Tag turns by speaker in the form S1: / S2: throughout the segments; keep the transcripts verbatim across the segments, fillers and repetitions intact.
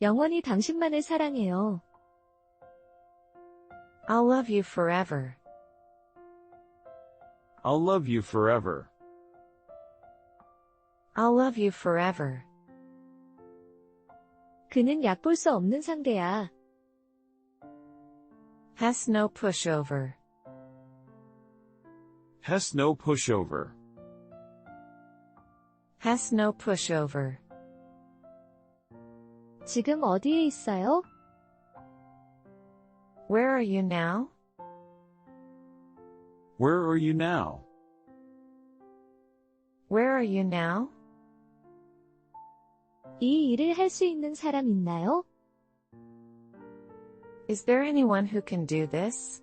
S1: 영원히 당신만을 사랑해요.
S2: I'll love you forever.
S3: I'll love you forever.
S2: I'll love you forever.
S1: 그는 얕볼 수 없는 상대야.
S2: Has no pushover.
S3: Has no pushover.
S2: Has no pushover.
S1: 지금 어디에 있어요?
S2: Where are you now?
S3: Where are you now?
S2: Where are you now?
S1: 이 일을 할 수 있는 사람 있나요?
S2: Is there anyone who can do this?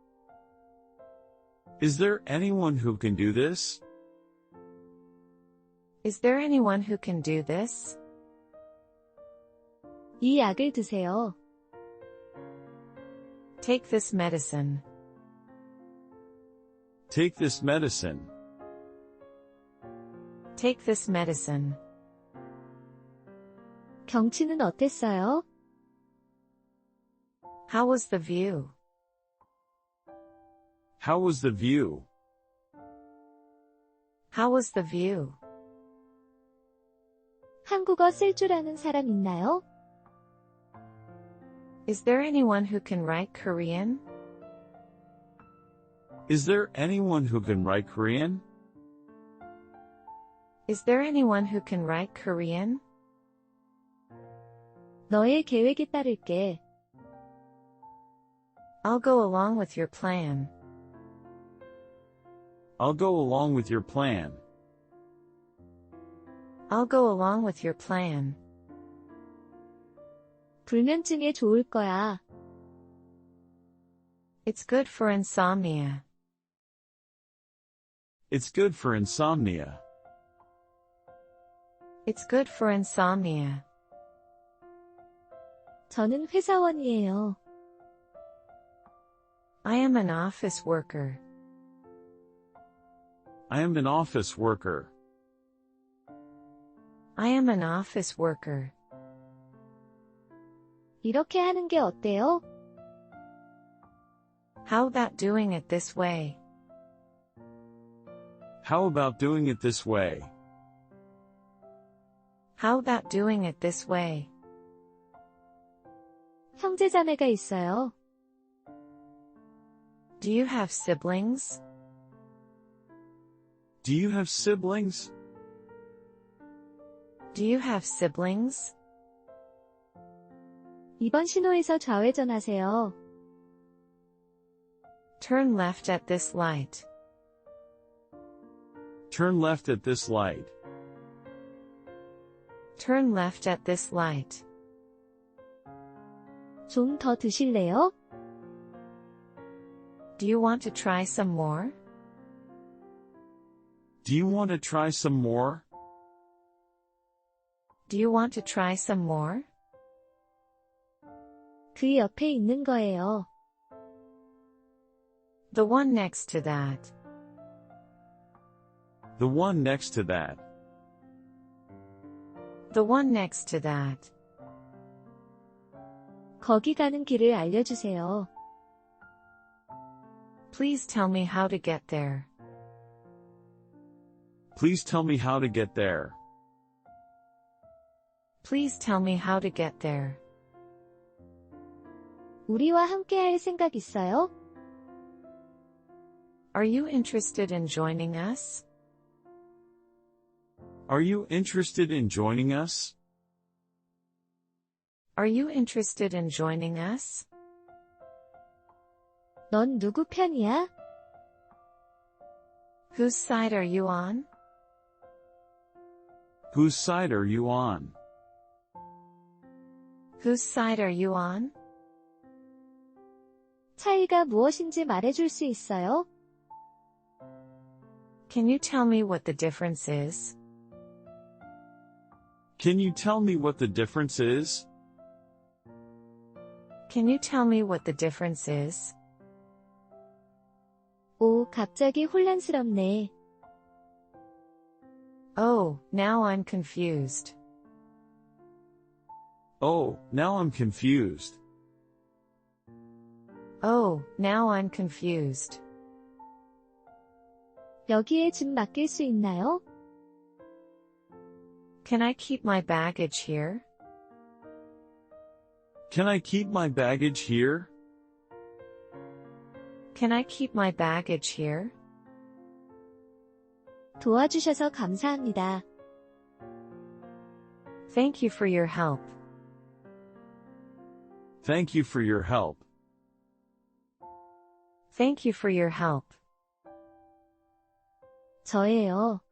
S3: Is there anyone who can do this?
S2: Is there anyone who can do this?
S1: 이 약을 드세요.
S2: Take this medicine.
S3: Take this medicine.
S2: Take this medicine.
S1: 경치는 어땠어요?
S2: How was the view?
S3: How was the view?
S2: How was the view?
S1: 한국어 쓸 줄 아는 사람 있나요?
S2: Is there anyone who can write Korean?
S3: Is there anyone who can write Korean?
S2: Is there anyone who can write Korean?
S1: 너의 계획에 따를게.
S2: I'll go along with your plan.
S3: I'll go along with your plan.
S2: I'll go along with your plan.
S1: 불면증에 좋을 거야.
S2: It's good for insomnia.
S3: It's good for insomnia.
S2: It's good for insomnia.
S1: 저는 회사원이에요.
S2: I am an office worker.
S3: I am an office worker.
S2: I am an office worker.
S1: 이렇게 하는 게 어때요?
S2: How about doing it this way?
S3: How about doing it this way?
S2: How about doing it this way?
S1: 형제자매가 있어요.
S2: Do you have siblings?
S3: Do you have siblings?
S2: Do you have siblings?
S1: 이번 신호에서 좌회전하세요.
S2: Turn left at this light.
S3: Turn left at this light.
S2: Turn left at this light.
S1: 좀 더 드실래요?
S2: Do you want to try some more?
S3: Do you want to try some more?
S2: Do you want to try some more?
S1: 그 옆에 있는 거예요.
S2: The one next to that.
S3: The one next to that.
S2: The one next to that.
S1: 거기 가는 길을 알려주세요.
S2: Please tell me how to get there.
S3: Please tell me how to get there.
S2: Please tell me how to get there.
S1: 우리와 함께 할 생각 있어요?
S2: Are you interested in joining us?
S3: Are you interested in joining us?
S2: Are you interested in joining us?
S1: 넌 누구 편이야?
S2: Whose side are you on?
S3: Whose side are you on?
S2: Whose side are you on?
S1: 차이가 무엇인지 말해줄 수 있어요?
S2: Can you tell me what the difference is?
S3: Can you tell me what the difference is?
S2: Can you tell me what the difference is?
S1: 오, 갑자기 혼란스럽네.
S2: Oh, now I'm confused.
S3: Oh, now I'm confused.
S2: Oh, now I'm confused.
S1: 여기에 짐 맡길 수 있나요?
S2: Can I keep my baggage here?
S3: Can I keep my baggage here?
S2: Can I keep my baggage here?
S1: 도와주셔서 감사합니다.
S2: Thank you for your help.
S3: Thank you for your help.
S2: Thank you for your help.
S1: 저예요.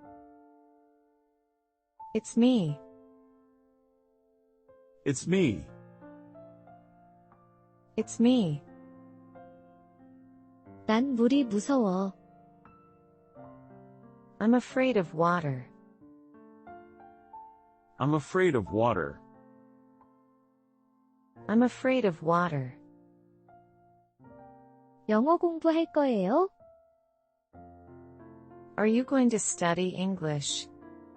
S2: It's me.
S3: It's me.
S2: It's me.
S1: 난 물이 무서워.
S2: I'm afraid of water.
S3: I'm afraid of water.
S2: I'm afraid of water.
S1: 영어 공부할 거예요?
S2: Are you going to study English?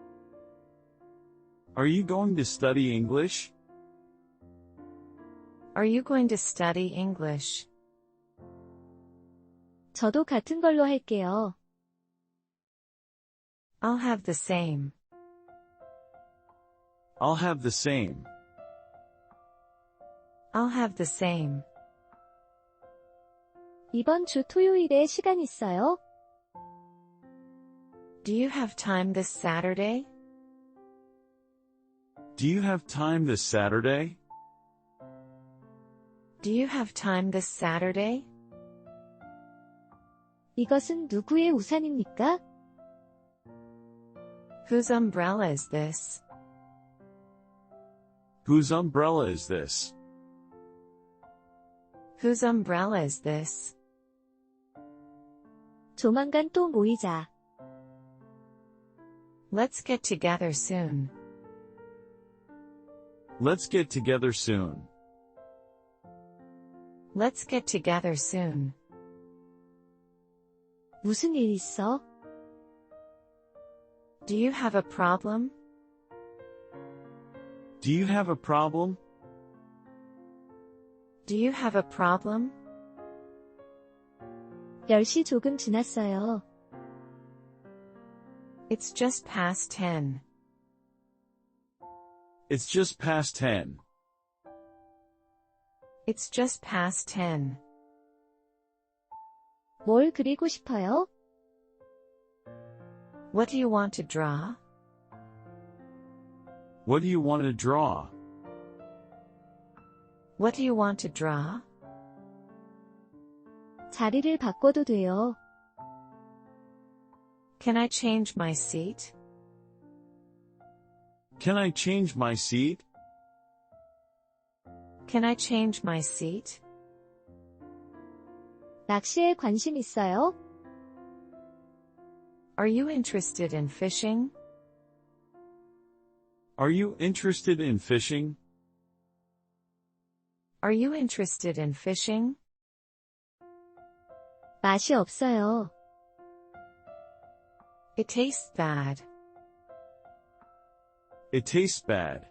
S3: Are you going to study English?
S2: Are you going to study English?
S1: 저도 같은 걸로 할게요.
S2: I'll have the same.
S3: I'll have the same.
S2: I'll have the same.
S1: 이번 주 토요일에 시간 있어요?
S2: Do you have time this Saturday?
S3: Do you have time this Saturday?
S2: Do you have time this Saturday?
S1: 이것은 누구의 우산입니까?
S2: Whose umbrella is this?
S3: Whose umbrella is this?
S2: Whose umbrella is this?
S1: 조만간 또 모이자.
S2: Let's get together soon.
S3: Let's get together soon.
S2: Let's get together soon.
S1: 무슨 일 있어?
S2: Do you have a problem?
S3: Do you have a problem?
S2: Do you have a problem?
S1: 열 시 조금 지났어요.
S2: It's just past ten.
S3: It's just past ten.
S2: It's just past ten.
S1: 뭘 그리고 싶어요?
S2: What do you want to draw?
S3: What do you want to draw?
S2: What do you want to draw?
S1: 자리를 바꿔도 돼요.
S2: Can I change my seat?
S3: Can I change my seat?
S2: Can I change my seat?
S1: 낚시에 관심 있어요?
S2: Are you interested in fishing?
S3: Are you interested in fishing?
S2: Are you interested in fishing?
S1: 맛이 없어요.
S2: It tastes bad.
S3: It tastes bad.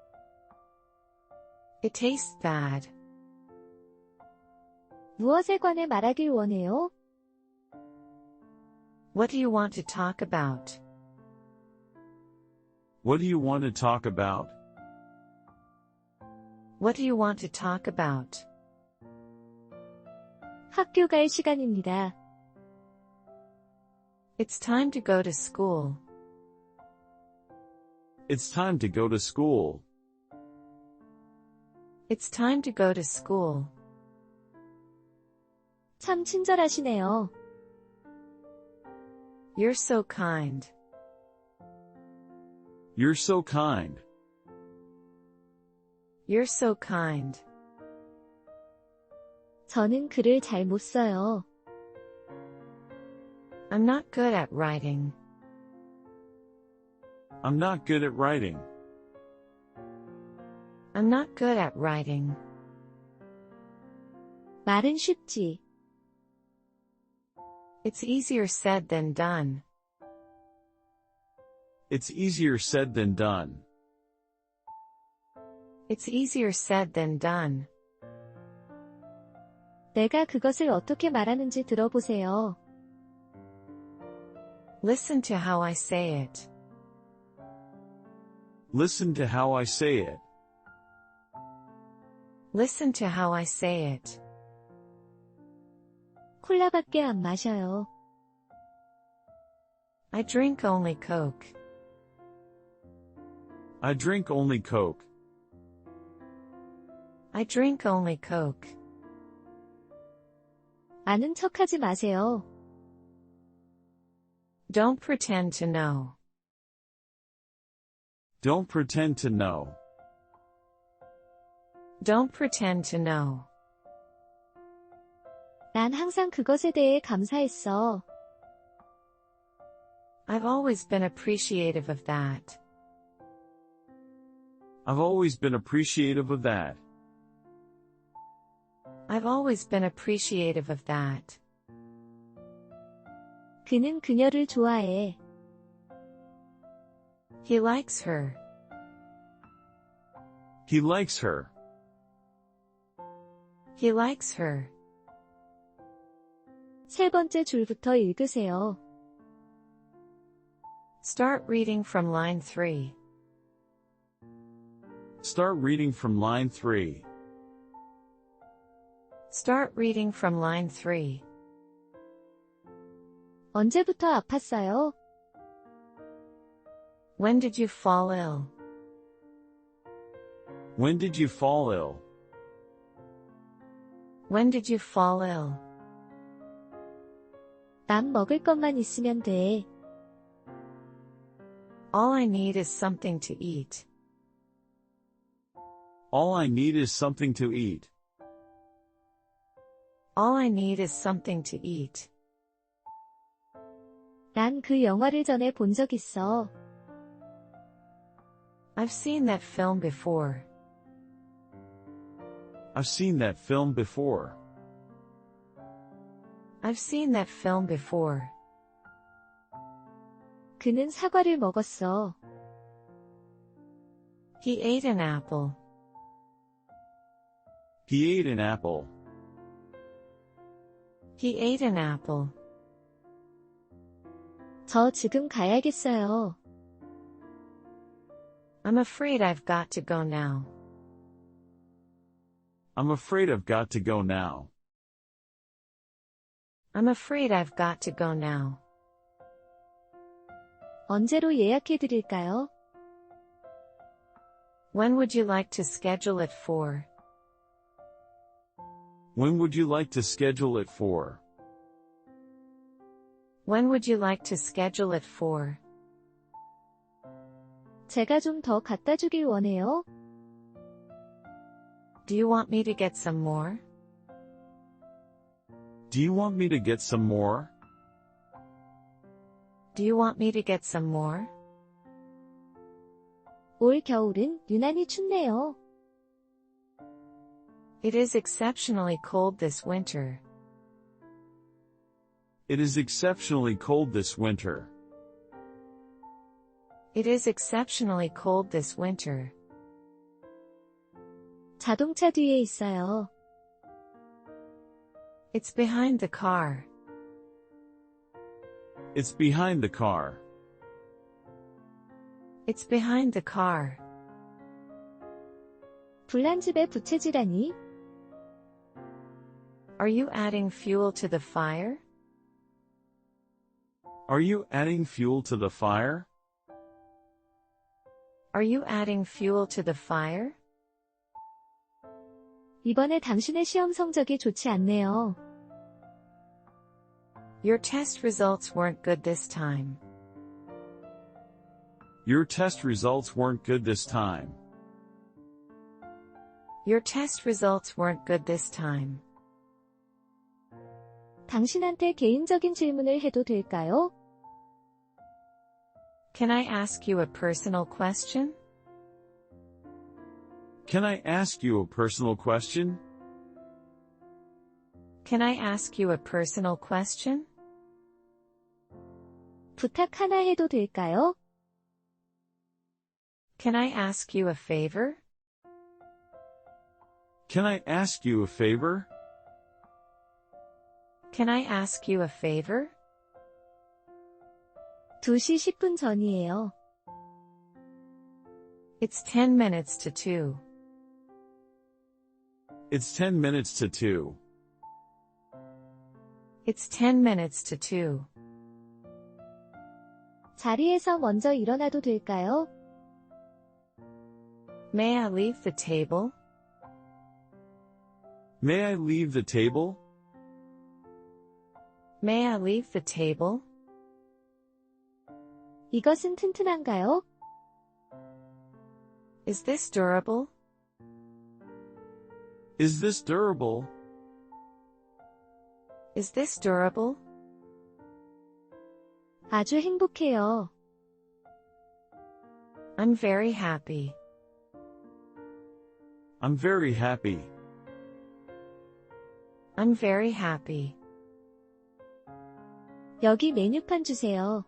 S2: It tastes bad.
S1: 무엇에 관해 말하길 원해요?
S2: What do you want to talk about?
S3: What do you want to talk about?
S2: What do you want to talk about?
S1: 학교 갈 시간입니다.
S2: It's time to go to school.
S3: It's time to go to school.
S2: It's time to go to school.
S1: 참 친절하시네요.
S2: You're so kind.
S3: You're so kind.
S2: You're so kind.
S1: 저는 글을 잘 못 써요.
S2: I'm not good at writing.
S3: I'm not good at writing.
S2: I'm not good at writing.
S1: 말은 쉽지.
S2: It's easier said than done.
S3: It's easier said than done.
S2: It's easier said than done.
S1: 내가 그것을 어떻게 말하는지 들어보세요.
S2: Listen to how I say it.
S3: Listen to how I say it.
S2: Listen to how I say it.
S1: 콜라밖에 안 마셔요.
S2: I drink only Coke.
S3: I drink only Coke.
S2: I drink only Coke.
S1: 아는 척하지 마세요.
S2: Don't pretend to know.
S3: Don't pretend to know.
S2: Don't pretend to know.
S1: 난 항상 그것에 대해 감사했어.
S2: I've always been appreciative of that.
S3: I've always been appreciative of that.
S2: I've always been appreciative of that.
S1: 그는 그녀를 좋아해.
S2: He likes her.
S3: He likes her.
S2: He likes her.
S1: 세 번째 줄부터 읽으세요.
S2: Start reading from line three.
S3: Start reading from line three.
S2: Start reading from line three.
S1: 언제부터 아팠어요?
S2: When did you fall ill?
S3: When did you fall ill?
S2: When did you fall ill?
S1: 난 먹을 것만 있으면 돼.
S2: All I need is something to eat.
S3: All I need is something to eat.
S2: All I need is something to eat.
S1: 난 그 영화를 전에 본 적 있어.
S2: I've seen that film before.
S3: I've seen that film before.
S2: I've seen that film before.
S1: 그는 사과를 먹었어.
S2: He ate an apple.
S3: He ate an apple.
S2: He ate an apple.
S1: 저 지금 가야겠어요.
S2: I'm afraid I've got to go now.
S3: I'm afraid I've got to go now.
S2: I'm afraid I've got to go now.
S1: 언제로 예약해 드릴까요?
S2: When would you like to schedule it for?
S3: When would you like to schedule it for?
S2: When would you like to schedule it for?
S1: 제가 좀 더 갖다 주길 원해요.
S2: Do you want me to get some more?
S3: Do you want me to get some more?
S2: Do you want me to get some more?
S1: 올 겨울은 유난히 춥네요.
S2: It is exceptionally cold this winter.
S3: It is exceptionally cold this winter.
S2: It is exceptionally cold this winter.
S1: 자동차 뒤에 있어요.
S2: It's behind the car.
S3: It's behind the car.
S2: It's behind the car.
S1: 불난 집에 부채질하니?
S2: Are you adding fuel to the fire?
S3: Are you adding fuel to the fire?
S2: Are you adding fuel to the fire?
S1: 이번에 당신의 시험 성적이 좋지 않네요.
S2: Your test results weren't good this time.
S3: Your test results weren't good this time.
S2: Your test results weren't good this time.
S1: 당신한테 개인적인 질문을 해도 될까요?
S2: Can I ask you a personal question?
S3: Can I ask you a personal question?
S2: Can I ask you a personal question?
S1: 부탁 하나 해도 될까요?
S2: Can I ask you a favor?
S3: Can I ask you a favor?
S2: Can I ask you a favor?
S1: 두 시 십 분 전이에요.
S2: It's ten minutes to two.
S3: It's ten minutes to two.
S2: It's ten minutes to two.
S1: 자리에서 먼저 일어나도 될까요?
S2: May I leave the table?
S3: May I leave the table?
S2: May I leave the table?
S1: 이것은 튼튼한가요?
S2: Is this durable?
S3: Is this durable?
S2: Is this durable?
S1: 아주 행복해요.
S2: I'm very happy.
S3: I'm very happy.
S2: I'm very happy.
S1: 여기 메뉴판 주세요.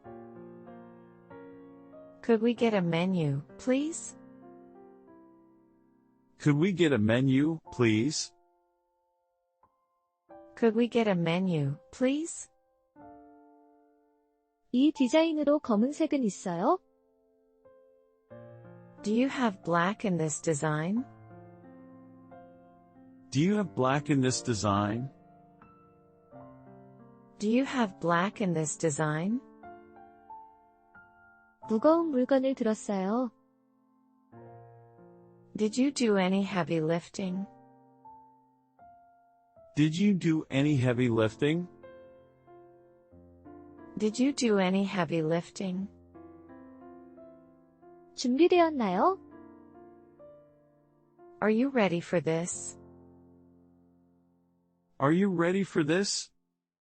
S2: Could we get a menu, please?
S3: Could we get a menu, please?
S2: Could we get a menu, please?
S1: 이 디자인으로 검은색은 있어요?
S2: Do you have black in this design?
S3: Do you have black in this design?
S2: Do you have black in this design?
S1: 무거운 물건을 들었어요.
S2: Did you do any heavy lifting?
S3: Did you do any heavy lifting?
S2: Did you do any heavy lifting?
S1: 준비되었나요?
S2: Are you ready for this?
S3: Are you ready for this?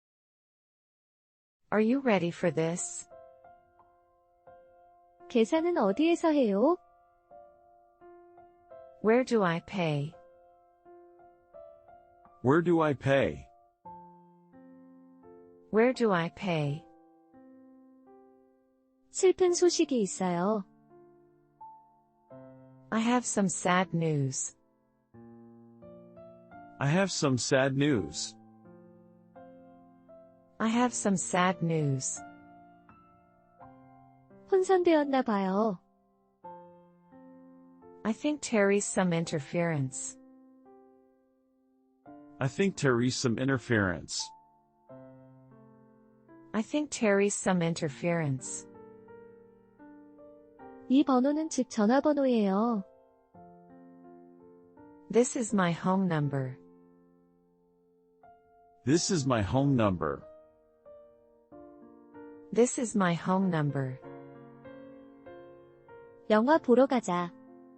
S2: Are you ready for this?
S1: 계산은 어디에서 해요?
S2: Where do I pay?
S3: Where do I pay?
S2: Where do I pay?
S1: 슬픈 소식이 있어요.
S2: I have some sad news.
S3: I have some sad news.
S2: I have some sad news.
S1: 혼선되었나 봐요.
S2: I think Terry's some interference.
S3: I think Terry's some interference.
S2: I think Terry's some interference.
S1: 이 번호는 집 전화번호예요.
S2: This is my home number.
S3: This is my home number.
S2: This is my home number.
S1: 영화 보러 가자.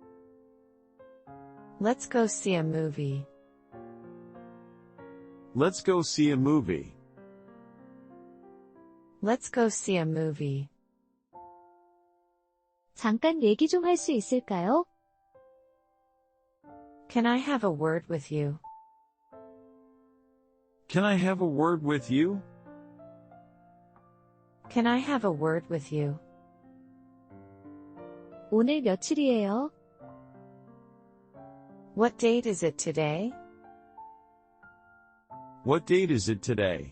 S2: Let's go see a movie.
S3: Let's go see a movie.
S2: Let's go see a movie.
S1: 잠깐 얘기 좀 할 수 있을까요?
S2: Can I have a word with you?
S3: Can I have a word with you?
S2: Can I have a word with you?
S1: 오늘 며칠이에요?
S2: What date is it today?
S3: What date is it today?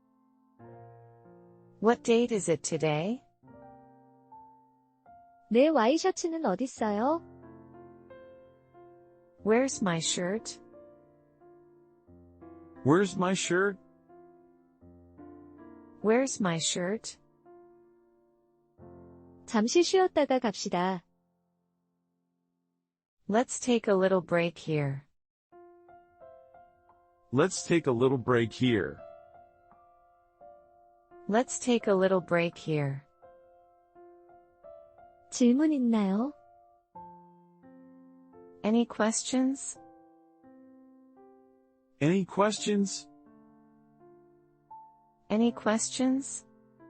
S2: What date is it today?
S1: 내 와이셔츠는 어딨어요?
S2: Where's my shirt?
S3: Where's my shirt?
S2: Where's my shirt?
S1: 잠시 쉬었다가 갑시다.
S2: Let's take a little break here.
S3: Let's take a little break here.
S2: Let's take a little break here.
S1: 질문 있나요?
S2: Any questions?
S3: Any questions?
S2: Any questions?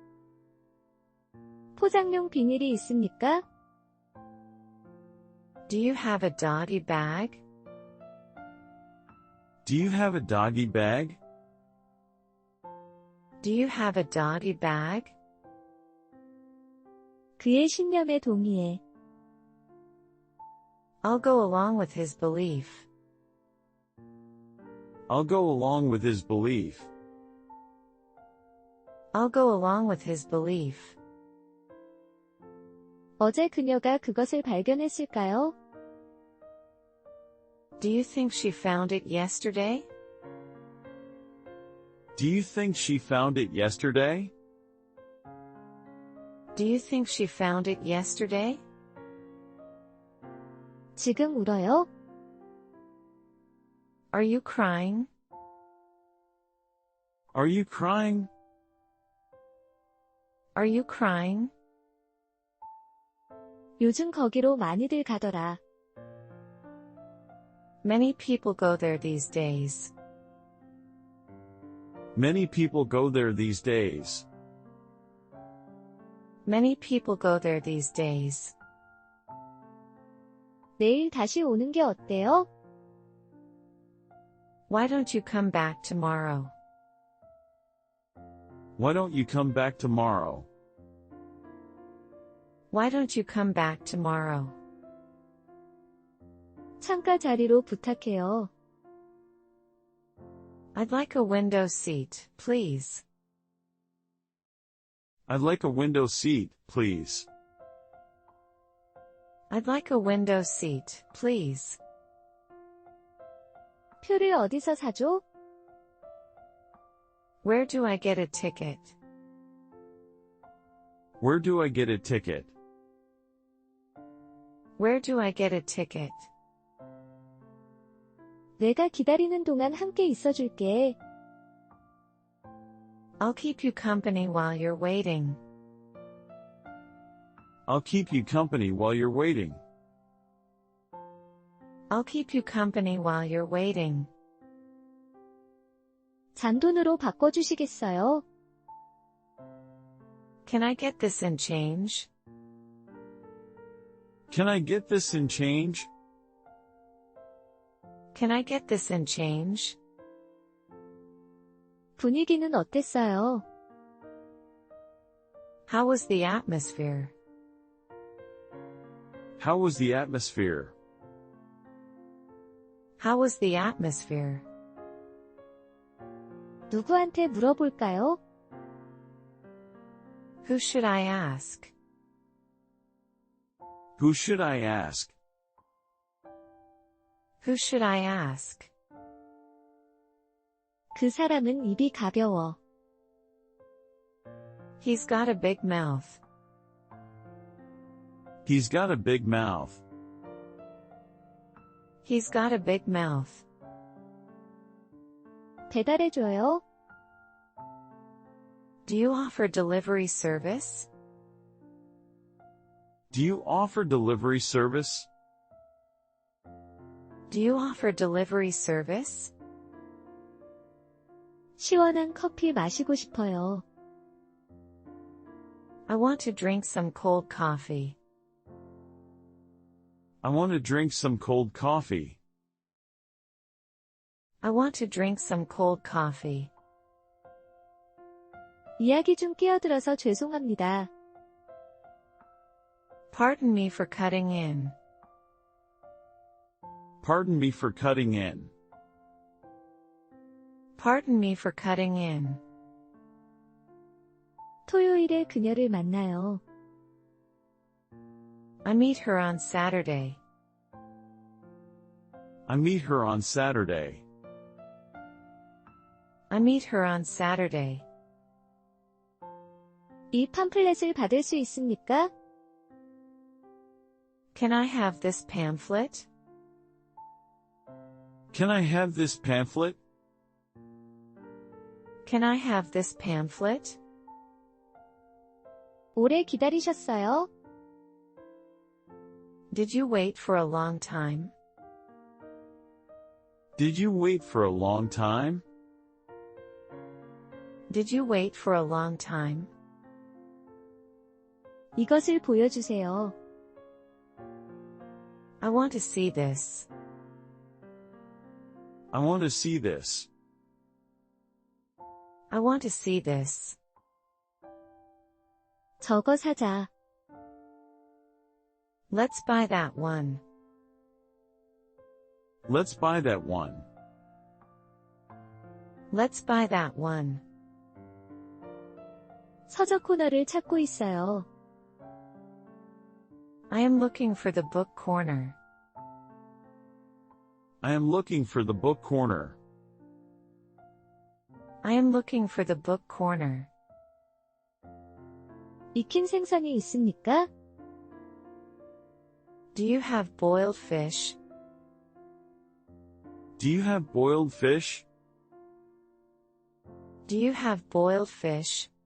S1: 포장용 비닐이 있습니까?
S2: Do you have a doggy bag?
S3: Do you have a doggy bag?
S2: Do you have a doggy bag?
S1: 그의 신념에 동의해.
S2: I'll go along with his belief.
S3: I'll go along with his belief.
S2: I'll go along with his belief.
S1: 어제 그녀가 그것을 발견했을까요?
S2: Do you think she found it yesterday?
S3: Do you think she found it yesterday?
S2: Do you think she found it yesterday?
S1: 지금 울어요?
S2: Are you crying?
S3: Are you crying?
S2: Are you crying?
S1: 요즘 거기로 많이들 가더라.
S2: Many people go there these days.
S3: Many people go there these days.
S2: Many people go there these days.
S1: 내일 다시 오는 게 어때요?
S2: Why don't you come back tomorrow?
S3: Why don't you come back tomorrow?
S2: Why don't you come back tomorrow?
S1: 창가 자리로 부탁해요.
S2: I'd like a window seat, please.
S3: I'd like a window seat, please.
S2: I'd like a window seat, please.
S1: 표를 어디서 사죠?
S2: Where do I get a ticket?
S3: Where do I get a ticket?
S2: Where do I get a ticket?
S1: 내가 기다리는 동안 함께 있어줄게.
S2: I'll keep you company while you're waiting.
S3: I'll keep you company while you're waiting.
S2: I'll keep you company while you're waiting.
S1: 잔돈으로 바꿔주시겠어요?
S2: Can I get this in change?
S3: Can I get this in change?
S2: Can I get this in change?
S1: 분위기는 어땠어요?
S2: How was the atmosphere?
S3: How was the atmosphere?
S2: How was the atmosphere?
S1: 누구한테 물어볼까요?
S2: Who should I ask?
S3: Who should I ask?
S2: Who should I ask?
S1: 그 사람은 입이 가벼워.
S2: He's got a big mouth.
S3: He's got a big mouth.
S2: He's got a big mouth.
S1: 배달해줘요?
S2: Do you offer delivery service?
S3: Do you offer delivery service?
S2: Do you offer delivery service?
S1: 시원한 커피 마시고 싶어요.
S2: I want to drink some cold coffee.
S3: I want to drink some cold coffee.
S2: I want to drink some cold coffee.
S1: 이야기 중 끼어들어서 죄송합니다.
S2: Pardon me for cutting in.
S3: Pardon me for cutting in.
S2: Pardon me for cutting in.
S1: 토요일에 그녀를 만나요.
S2: I meet her on Saturday.
S3: I meet her on Saturday.
S2: I meet her on Saturday.
S1: 이 팜플렛을 받을 수 있습니까?
S2: Can I have this pamphlet?
S3: Can I have this pamphlet?
S2: Can I have this pamphlet?
S1: 오래 기다리셨어요?
S2: Did you wait for a long time?
S3: Did you wait for a long time?
S2: Did you wait for a long time?
S1: 이것을 보여주세요.
S2: I want to see this.
S3: I want to see this.
S2: I want to see this.
S1: 저거 사자.
S2: Let's buy that one.
S3: Let's buy that one.
S2: Let's buy that one.
S1: 서적 코너를 찾고 있어요.
S2: I am looking for the book corner.
S3: I am looking for the book corner.
S2: I am looking for the book corner.
S1: 익힌 생선이 있습니까?
S2: Do you have boiled fish?
S3: Do you have boiled fish?
S2: Do you have boiled fish?